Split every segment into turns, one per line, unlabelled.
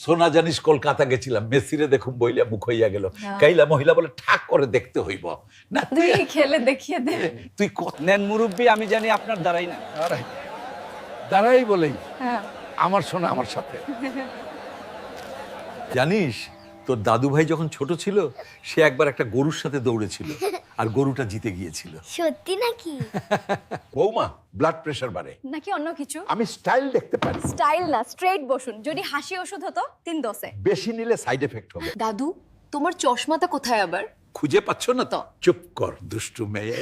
সোনা জানিস কলকাতা গেছিলাম, মেসিরে দেখুম বইলা মুখ হইয়া গেল। কাইলা মহিলা বলে ঠাক করে দেখতে হইব না,
তুই খেলে দেখিয়ে দে।
তুই কত
নেন মুরব্বী, আমি জানি আপনার দ্বারাই না।
দাঁড়াই বলেই
হ্যাঁ
আমার সোনা আমার সাথে।
জানিস তোর দাদু ভাই যখন ছোট ছিল সে একবার একটা গরুর সাথে দৌড়েছিল আর গরুটা জিতে গিয়েছিল।
সত্যি নাকি?
বৌমা, ব্লাড প্রেশার বাড়ে।
নাকি অন্য কিছু?
আমি স্টাইল দেখতে পারি।
স্টাইল না, স্ট্রেট বসুন। যদি হাসি ওষুধ হতো 3 ডোজে।
বেশি নিলে সাইড এফেক্ট হবে।
দাদু, তোমার চশমাটা কোথায় আবার?
খুঁজে পাচ্ছ না তো? চুপ কর দুষ্টু মেয়ে।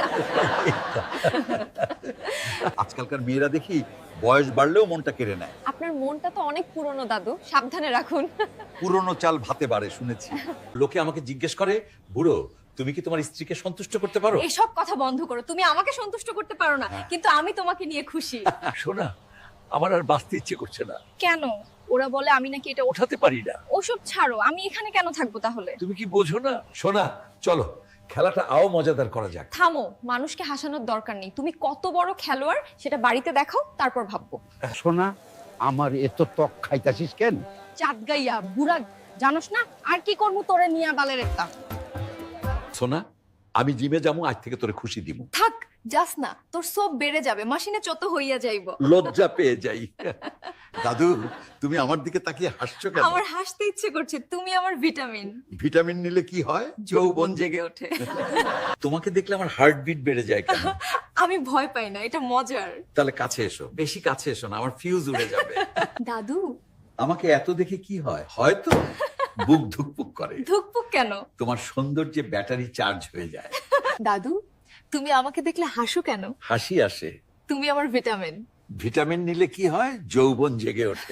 আজকালকার মেয়েরা দেখি বয়স বাড়লেও মনটা কেড়ে নেয়।
আপনার মনটা তো অনেক পুরনো দাদু, সাবধানে রাখুন।
পুরনো চাল ভাতে বাড়ে শুনেছি। লোকে আমাকে জিজ্ঞেস করে, বুড়ো তুমি কি তোমার স্ত্রীকে সন্তুষ্ট করতে পারো?
এসব কথা বন্ধ করো। তুমি আমাকে সন্তুষ্ট করতে পারো না, কিন্তু আমি তোমাকে নিয়ে খুশি।
শোনা, আমার আর বাঁচতে ইচ্ছে করছে না,
কেন? ওরা বলে আমি নাকি এটা
ওঠাতে পারি না।
ওসব ছাড়ো, আমি এখানে কেন থাকবো তাহলে?
তুমি কি বোঝো না? শোনা, চলো খেলাটা আও মজাদার করা যাক।
থামো, মানুষকে হাসানোর দরকার নেই। তুমি কত বড় খেলোয়াড় সেটা বাড়িতে দেখাও, তারপর ভাববো।
সোনা, আমার এত ত্বক খাইতাছিস কেন?
চাঁদ গাইয়া বুড়া, জানোস না আর কি করবো তোরে নিয়া বালের একটা।
সোনা, আমি জিমে যাবো, আজ থেকে তোরে খুশি দিব।
থাক, যাস না, তোর সব বেড়ে যাবে, মাসিনে চত হইয়া যাইব।
লজ্জা পেয়ে যাই। দাদু, তুমি আমার দিকে তাকিয়ে হাসছো কেন?
আমার হাসতে ইচ্ছে করছে, তুমি আমার ভিটামিন।
ভিটামিন নিলে কি হয়? যৌবন জেগে ওঠে। তোমাকে দেখলে আমার হার্টবিট বেড়ে যায় কেন?
আমি ভয় পাই না, এটা মজার।
তাহলে কাছে এসো, বেশি কাছে এসো না, আমার ফিউজ উড়ে যাবে।
দাদু,
আমাকে এত দেখে কি হয়? হয়তো বুক ধুকপুক করে।
ধুকপুক কেন?
তোমার সৌন্দর্যে ব্যাটারি চার্জ হয়ে যায়।
দাদু, তুমি আমাকে দেখলে হাসো কেন?
হাসি আসে।
তুমি আমার ভিটামিন।
ভিটামিন নিলে কি হয়? যৌবন জেগে ওঠে।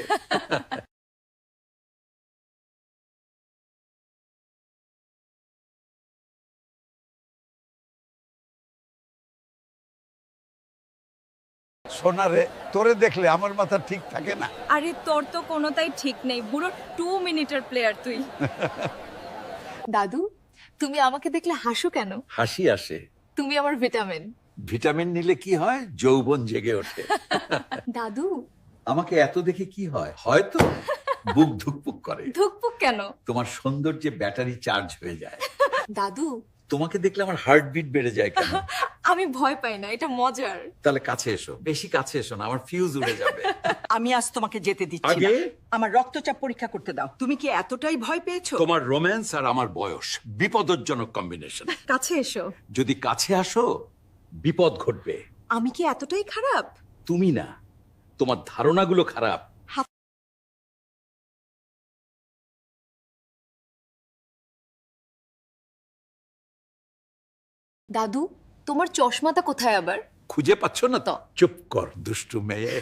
সোনা রে, তোরে দেখলে আমার মাথা ঠিক থাকে না।
আরে তোর তো কোনোটাই ঠিক নেই, বুড়ো 2 মিনিটের প্লেয়ার তুই। দাদু, তুমি আমাকে দেখলে হাসো কেন?
হাসি আসে।
তুমি আমার ভিটামিন।
ভিটামিন নিলে কি হয়? যৌবন জেগে ওঠে।
দাদু,
আমাকে এত দেখে কি হয়? হয়তো বুক ধুকপুক করে।
ধুকপুক কেন?
তোমার সৌন্দর্যে ব্যাটারি চার্জ হয়ে যায়।
দাদু,
তোমাকে দেখলে আমার হার্টবিট বেড়ে যায় কেন?
আমি ভয় পাই না, এটা মজার।
তাহলে কাছে এসো, বেশি কাছে এসো না, আমার ফিউজ উড়ে যাবে।
আমি আজ তোমাকে যেতে দিচ্ছি না।
আগে?
আমার রক্তচাপ পরীক্ষা করতে দাও। তুমি কি এতটাই ভয় পেয়েছো?
তোমার রোম্যান্স আর আমার বয়স বিপদজনক কম্বিনেশন।
কাছে এসো।
যদি কাছে আসো বিপদ ঘটবে।
আমি কি এতটাই খারাপ?
তুমি না, তোমার ধারণাগুলো খারাপ।
দাদু, তোমার চশমাটা কোথায় আবার?
খুঁজে পাচ্ছ না তো? চুপ কর দুষ্টু মেয়ে।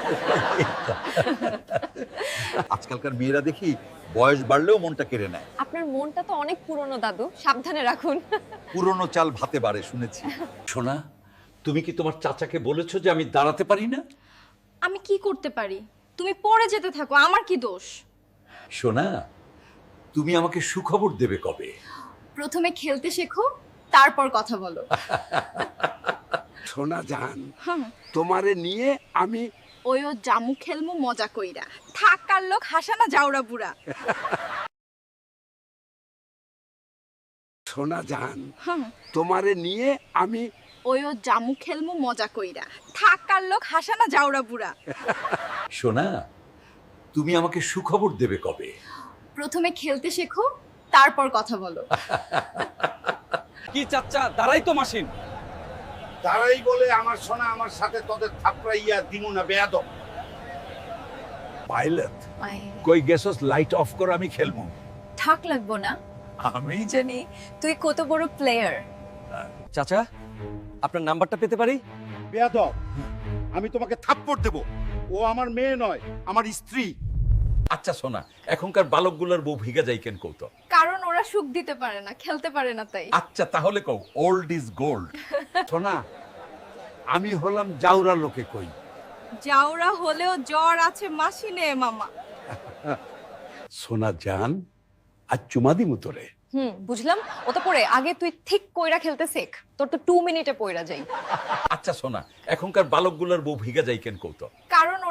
আজকালকার মেয়েরা দেখি বয়স বাড়লেও মনটা কেড়ে নেয়।
আপনার মনটা তো অনেক পুরনো দাদু, সাবধানে রাখুন।
পুরনো চাল ভাতে বাড়ে শুনেছি। শোনা, তুমি কি তোমার চাচাকে বলেছো যে আমি দাঁড়াতে পারি না?
আমি কি করতে পারি? তুমি পড়ে যেতে থাকো, আমার কি দোষ?
শোনা, তুমি আমাকে সুখবর দেবে কবে?
প্রথমে খেলতে শেখো, তারপর কথা বলো।
সোনা জান, তোমারে নিয়ে আমি
ওইও জামু খেলমু মজা কইরা। থাকার লোক হাসানা যাওরা বুড়া।
সোনা জান, তোমারে নিয়ে আমি
ওইও জামু খেলমু মজা কইরা। থাকার লোক হাসানা যাওরা বুড়া।
শোনা, তুমি আমাকে সুখবর দেবে কবে?
প্রথমে খেলতে শেখো, তারপর কথা বলো।
কি চাচ্চা, দাঁড়াই তো মাসিন।
তারাই বলে আমার সোনা আমার সাথে তোদের থাপড়াইয়া দিমু না বেয়াদব। পাইলট, কই গেছস? লাইট অফ কর, আমি খেলবো।
থাক লাগবো না,
আমি
জানি তুই কত বড় প্লেয়ার।
চাচা, আপনার নাম্বারটা পেতে পারি?
বেয়াদব, আমি তোমাকে থাপ্পড় দেব। ও আমার মেয়ে নয়, আমার স্ত্রী।
আচ্ছা শোনা, এখনকার বালকগুলোর বউ ভিগা যাই কেন কৌতো?
কারণ ওরা সুখ দিতে পারে না, খেলতে পারে না তাই।
আচ্ছা তাহলে কও, ওল্ড ইজ গোল্ড।
সোনা, আমি হলাম জাউরা লোকে কই।
যাওরা হলেও জ্বর আছে মাসিনে মামা।
সোনা জান, আজ চুমা দিমু তোরে।
বুঝলাম। ও তো পড়ে আগে তুই ঠিক কইরা খেলতে শেখ, তোর তো 2 মিনিটে পইরা যাই।
আচ্ছা শোনা, এখনকার বালকগুলোর বউ ভিগা যাই কেন কৌতো?
কারণ ওরা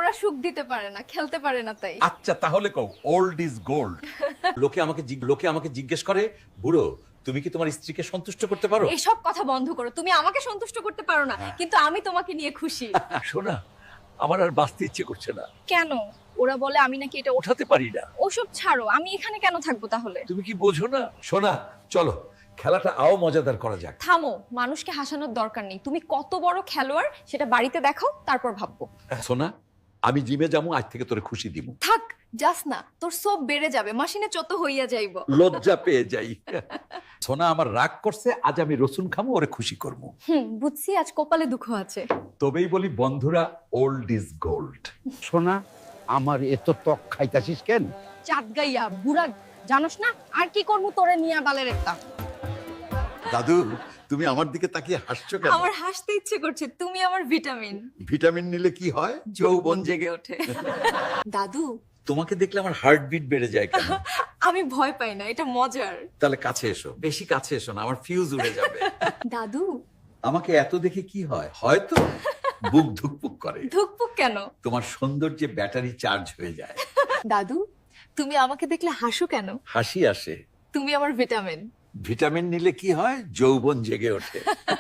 ওরা সুখ দিতে পারে না, খেলতে পারে না তাই।
আচ্ছা তাহলে কও ওল্ড ইজ গোল্ড। লোকে আমাকে জিজ্ঞেস করে বুড়ো তুমি কি তোমার স্ত্রীকে সন্তুষ্ট করতে পারো?
এসব কথা বন্ধ করো। তুমি আমাকে সন্তুষ্ট করতে পারো না, কিন্তু আমি তোমাকে নিয়ে খুশি।
শোনা, আমার আর বাঁচতে ইচ্ছে করছে না,
কেন? ওরা বলে আমি নাকি এটা
ওঠাতে পারি না।
ওসব ছাড়ো, আমি এখানে কেন থাকবো তাহলে?
তুমি কি বোঝো না?
শোনা চলো খেলাটা আও মজাদার করা যাক।
থামো, মানুষকে হাসানোর দরকার নেই। তুমি কত বড় খেলোয়াড় সেটা বাড়িতে দেখাও, তারপর ভাববো।
সোনা আমি জিমে যাবো, আজ থেকে তোরে খুশি দিব।
থাক, যাস না, তোর সব বেড়ে যাবে, মাসিনে চত হইয়া যাইব।
লজ্জা পেয়ে যাই। সোনা আমার রাগ করছে, আজ আমি রসুন খামো, ওরে খুশি করবো।
বুঝছি আজ কপালে দুঃখ আছে।
তবেই বলি বন্ধুরা ওল্ড ইজ গোল্ড।
সোনা, আমার এত ত্বক খাইতাছিস কেন?
চাঁদ গাইয়া বুড়া, জানোস না আর কি করবো তোরে নিয়া বালের একটা।
দাদু তুমি আমার দিকে তাকিয়ে হাসছো কেন?
আমার হাসতে ইচ্ছে করছে, তুমি আমার ভিটামিন।
ভিটামিন নিলে কি হয়? যৌবন জেগে
ওঠে। দাদু
তোমাকে দেখলে আমার হার্টবিট বেড়ে যায় কেন?
আমি ভয় পাই না, এটা মজার।
তাহলে কাছে এসো, বেশি কাছে এসো না, আমার ফিউজ উড়ে যাবে।
দাদু
আমাকে এত দেখে কি হয়? হয়তো বুক ধুকপুক করে।
ধুকপুক কেন?
তোমার সৌন্দর্যে ব্যাটারি চার্জ হয়ে যায়।
দাদু তুমি আমাকে দেখলে হাসো কেন?
হাসি আসে।
তুমি আমার ভিটামিন।
ভিটামিন নিলে কি হয়? যৌবন জেগে ওঠে।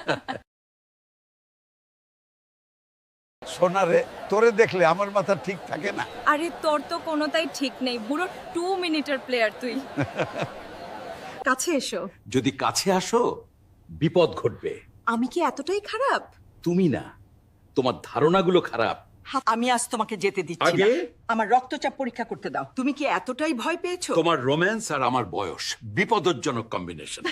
সোনারে, তোরে দেখলে আমার মাথা ঠিক থাকে না।
আরে তোর তো কোনোটাই ঠিক নেই, বুড়ো 2 মিনিটের প্লেয়ার তুই। কাছে এসো।
যদি কাছে আসো বিপদ ঘটবে।
আমি কি এতটাই খারাপ?
তুমি না, তোমার ধারণাগুলো খারাপ।
আমি আজ তোমাকে যেতে দিচ্ছি না।
আগে?
আমার রক্তচাপ পরীক্ষা করতে দাও। তুমি কি এতটাই ভয় পেয়েছো?
তোমার রোম্যান্স আর আমার বয়স বিপদজনক কম্বিনেশন।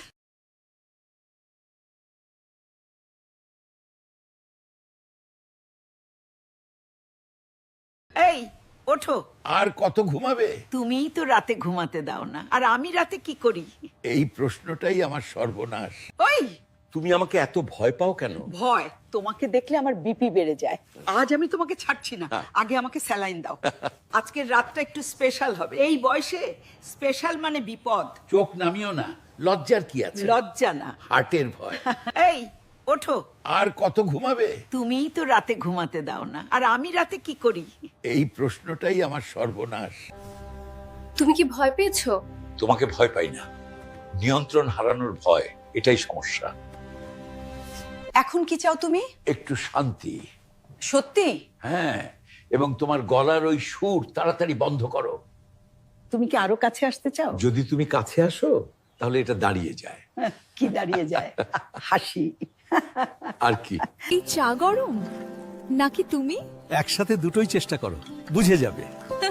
এই ওঠো।
আর কত ঘুমাবে?
তুমিই তো রাতে ঘুমাতে দাও না, আর আমি রাতে কি করি?
এই প্রশ্নটাই আমার সর্বনাশ।
ওই
তুমি আমাকে এত ভয় পাও কেন?
ভয়, তোমাকে দেখলে আমার বিপি বেড়ে যায়। আজ আমি তোমাকে ছাড়ছি না, আগে আমাকে স্যালাইন দাও। আজকের রাতটা একটু স্পেশাল হবে। এই বয়সে স্পেশাল মানে বিপদ।
চোখ নামিও না, লজ্জার কি আছে?
লজ্জা না।
হার্টের ভয়।
এই ওঠো।
আর কত ঘুমাবে?
তুমিই তো রাতে ঘুমাতে দাও না, আর আমি রাতে কি করি?
এই প্রশ্নটাই আমার সর্বনাশ।
তুমি কি ভয় পেয়েছো?
তোমাকে ভয় পাই না, নিয়ন্ত্রণ হারানোর ভয়, এটাই সমস্যা।
এখন কি চাও তুমি?
একটু শান্তি।
সত্যি?
হ্যাঁ, এবং তোমার গলার ওই সুর তাড়াতাড়ি বন্ধ করো।
তুমি কি আরো কাছে আসতে চাও?
যদি তুমি কাছে আসো তাহলে এটা দাঁড়িয়ে যায়।
কি দাঁড়িয়ে যায়? হাসি।
আর কি?
এই চা গরম নাকি তুমি?
একসাথে দুটোই চেষ্টা করো, বুঝে যাবে।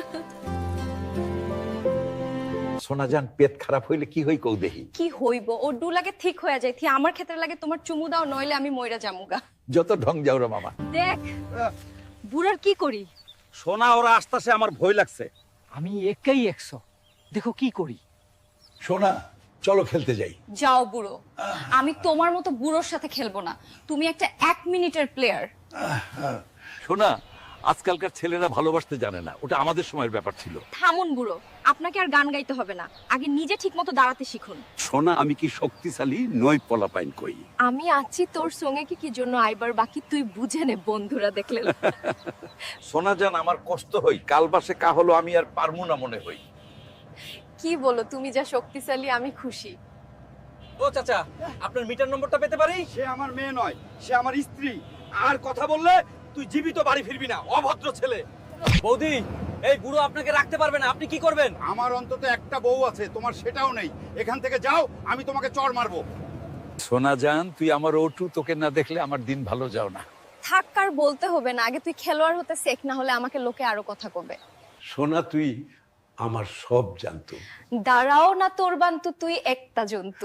সোনাজান পেট খারাপ হইলে কি হই কৌ দেহি।
কি হইব, ও ডু লাগে ঠিক হয়ে যায়, থি আমার ক্ষেত্রে লাগে তোমার চুমু দাও, নইলে আমি মইরা জামুগা।
যত ঢং যাও রে মামা।
দেখ বুড়ার কি করি।
সোনা ওরা আসতেছে, আমার ভয় লাগছে।
আমি একাই 100, দেখো কি করি।
সোনা চলো খেলতে যাই।
যাও বুড়ো, আমি তোমার মতো বুড়োর সাথে খেলবো না। তুমি একটা 1 মিনিটের প্লেয়ার।
সোনা আজকালকার ছেলেরা ভালোবাসতে জানে না, ওটা আমাদের সময়ের ব্যাপার ছিল।
থামুন বুড়ো, আপনাকে আর গান গাইতে হবে না, আগে নিজে ঠিকমতো দাঁড়াতে শিখুন।
সোনা আমি কি শক্তিশালী নই, পলাপাইন কই।
আমি আছি তোর সঙ্গে, কি জন্য আইবার বাকি তুই বুঝে নে, বন্ধুরা দেখলে।
সোনাজান আমার কষ্ট হই, কাল বাসে কা হলো আমি আর পারমু না মনে হই।
কি বলো, তুমি যা শক্তিশালী আমি খুশি।
ও চাচা, আপনার মিটার নম্বরটা পেতে পারি?
সে আমার মেয়ে নয়, সে আমার স্ত্রী।
আর কথা বললে তুই জীবিত বাড়ি ফিরবি না, অভদ্র ছেলে। বৌদি, এই বুড়ো আপনাকে রাখতে পারবে না, আপনি কি করবেন?
আমার অন্তত একটা বউ আছে, তোমার সেটাও নেই। এখান থেকে যাও, আমি তোমাকে চড় মারবো।
সোনাজান তুই আমার ওটু, তোকে না দেখলে আমার দিন ভালো যাও না।
থাক, আর বলতে হবে না, আগে তুই খেলোয়াড় হতে শেখ, না হলে আমাকে লোকে আরো কথা কবে।
সোনা তুই আমার সব জানতো।
দাঁড়াও না তোর বান্তু, তুই একটা জন্তু।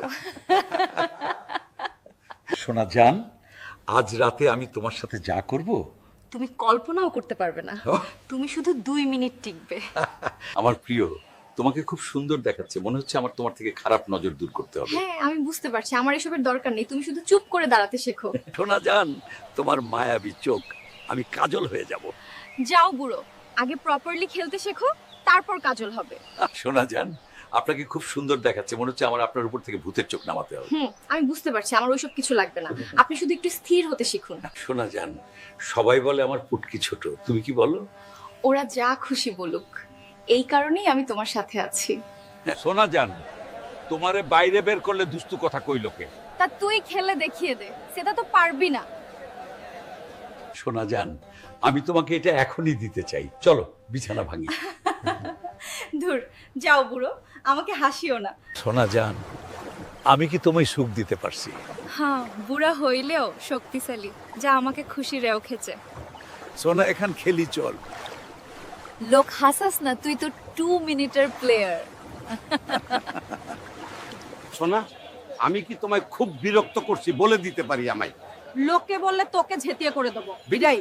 সোনাজান আজ রাতে আমি তোমার সাথে যা করব
তুমি কল্পনাও করতে পারবে না। তুমি শুধু 2 মিনিট টিকবে।
আমার প্রিয়, তোমাকে খুব সুন্দর দেখাচ্ছে, মনে হচ্ছে আমার তোমার থেকে খারাপ নজর দূর করতে হবে।
হ্যাঁ আমি বুঝতে পারছি, আমার এসবের দরকার নেই, তুমি শুধু চুপ করে দাঁড়াতে শেখো।
সোনাজান তোমার মায়াবী চোখ, আমি কাজল হয়ে যাব।
যাও বুড়ো, আগে প্রপারলি খেলতে শেখো, তারপর কাজল হবে।
সোনাজান আপনাকে খুব সুন্দর দেখাচ্ছে, মনে হচ্ছে আমার আপনার উপর থেকে ভূতের চোখ নামাতে হবে।
আমি বুঝতে পারছি, আমার ওইসব কিছু লাগবে না, আপনি শুধু একটু স্থির হতে শিখুন।
সোনাজান সবাই বলে আমার পুটকি ছোট, তুমি কি বলো?
ওরা যা খুশি বলুক, এই কারণেই আমি তোমার সাথে আছি।
সোনা জান, তোমারে বাইরে বের করলে দুস্তু কথা কই লোকে।
তা তুই খেলে দেখিয়ে দে, সেটা তো পারবি না।
সোনা জান, আমি তোমাকে এটা এখনই দিতে চাই, চলো বিছানা ভাঙি।
ধুর, যাও বুড়ো, আমাকে হাসিও না।
সোনা জান, আমি কি তোমায় সুখ দিতে পারছি?
হ্যাঁ, বুড়া হইলেও শক্তিশালী, যা আমাকে খুশি রেও খেছে।
সোনা, এখান খেলি চল।
লোক হাসাস না, তুই তো 2 মিনিটের প্লেয়ার।
সোনা, আমি কি তোমায় খুব বিরক্ত করছি বলে দিতে পারি আমায়?
লোকে বললে তোকে ঝেঁটিয়ে করে দেবো। বিদায়।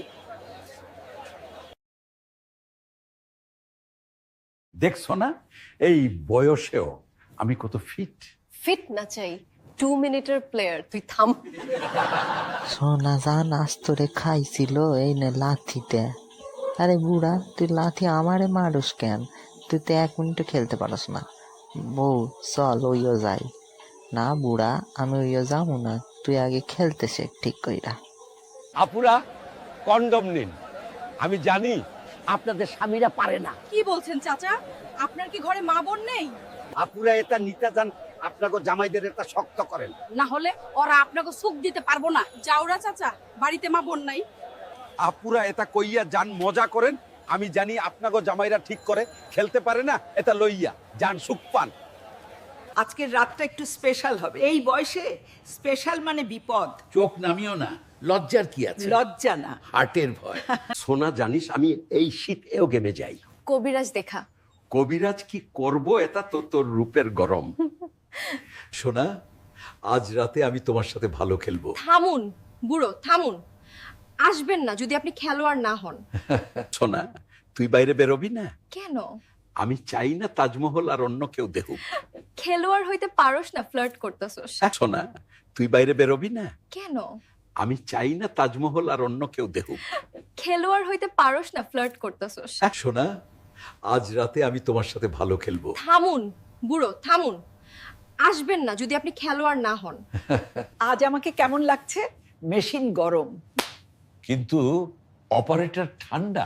দেখছো না, এই বয়সেও আমি কত ফিট।
ফিট না চাই, 2 মিনিটের প্লেয়ার, তুই থাম।
সোনা জান আজ তোরে খাইছিল এই নে লাথিতে। আরে বুড়া, তুই লাথি আমারে মারুস কেন? তুই তো 1 মিনিটও খেলতে পারস না। বউ চল ওইও যাই। না বুড়া, আমি ওইও যাবো না, তুই আগে খেলতে শেখ ঠিক কইরা।
আপুরা কন্ডম নিন, আমি জানি আপনাদের স্বামীরা পারে না।
কি বলছেন চাচা? আপনার কি ঘরে মা বোন নেই?
আপুরা এটা নিতে যান, আপনাকে জামাইদের এটা শক্ত করেন।
না হলে ওরা আপনাকে সুখ দিতে পারবো না। যাওরা চাচা, বাড়িতে মা বোন নাই?
আপুরা এটা কইয়া যান, মজা করেন। আমি জানি আপনাকে জামাইরা ঠিক করে খেলতে পারে না, এটা লইয়া যান, সুখ পান। আজকের রাতটা একটু স্পেশাল হবে। এই বয়সে স্পেশাল মানে বিপদ।
চোখ নামিও না, লজ্জার কি আছে?
লজ্জা না।
হার্টের ভয়।
সোনা জানিস, আমি এই শীতেও গেমে যাই।
কবিরাজ দেখা।
কবিরাজ কি করব, এটা তো তোর রূপের গরম। সোনা, আজ রাতে আমি তোমার সাথে ভালো খেলবো।
থামুন বুড়ো, থামুন। আসবেন না যদি আপনি খেলোয়াড় না হন।
সোনা, তুই বাইরে বেরোবি না?
কেন?
আমি চাই না তাজমহল আর অন্য কেউ দেখুক।
খেলোয়াড় হইতে পারোস না, ফ্লার্ট করতেছস।
সোনা, তুই বাইরে বেরোবি না?
কেন?
আমি চাই না তাজমহল আর অন্য কেউ দেখুক।
খেলোয়াড় হইতে পারোস না, ফ্লার্ট করতেছস।
সোনা, আজ রাতে আমি তোমার সাথে ভালো খেলবো।
থামুন বুড়ো, থামুন। আসবেন না যদি আপনি খেলোয়াড় না হন।
আজ আমাকে কেমন লাগছে? মেশিন গরম,
কিন্তু অপারেটর ঠান্ডা।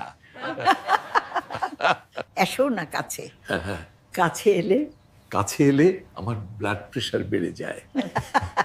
এসো না কাছে। কাছে এলে
কাছে এলে আমার ব্লাড প্রেশার বেড়ে যায়।